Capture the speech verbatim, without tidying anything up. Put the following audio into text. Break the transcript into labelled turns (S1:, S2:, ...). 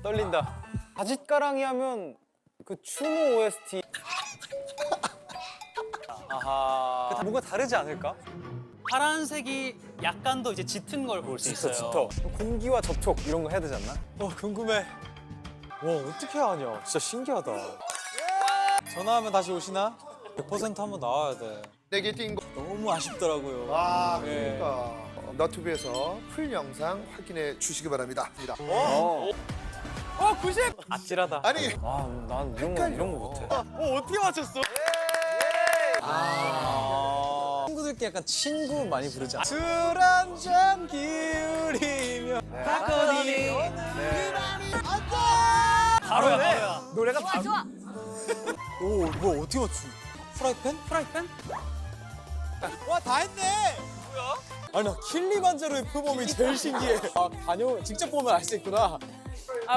S1: 떨린다. 바짓가랑이 하면 그 추노 오에스티. 아하. 뭔가 다르지 않을까?
S2: 파란색이 약간 더 이제 짙은 걸 볼 수
S1: 짙어,
S2: 있어요.
S1: 짙어. 공기와 접촉 이런 거 해야 되지 않나? 어, 궁금해. 와, 어떻게 하냐. 진짜 신기하다. 전화하면 다시 오시나? 백 퍼센트 한번 나와야 돼.
S3: 내게 띈 거.
S1: 너무 아쉽더라고요.
S3: 아,
S1: 네.
S3: 그러니까. 어, 너튜브에서 풀 영상 확인해 주시기 바랍니다.
S1: 어. 어, 구십! 아찔하다.
S3: 아니,
S1: 아, 난 이런 거, 이런 거 못해.
S2: 어, 어떻게 맞췄어?
S1: 아. 친구들끼리 약간 친구 많이 부르지 않아? 술 한 잔 기울이며 바꿔니. 네.
S2: 바로야, 바로야.
S1: 노래가
S4: 좋아 좋아.
S1: 오, 뭐 어떻게 맞추? 프라이팬?
S2: 프라이팬?
S1: 와, 다 했네. 뭐야? 아니, 나 킬리만자로의 표범이 제일 신기해. 아, 다녀 직접 보면 알 수 있구나.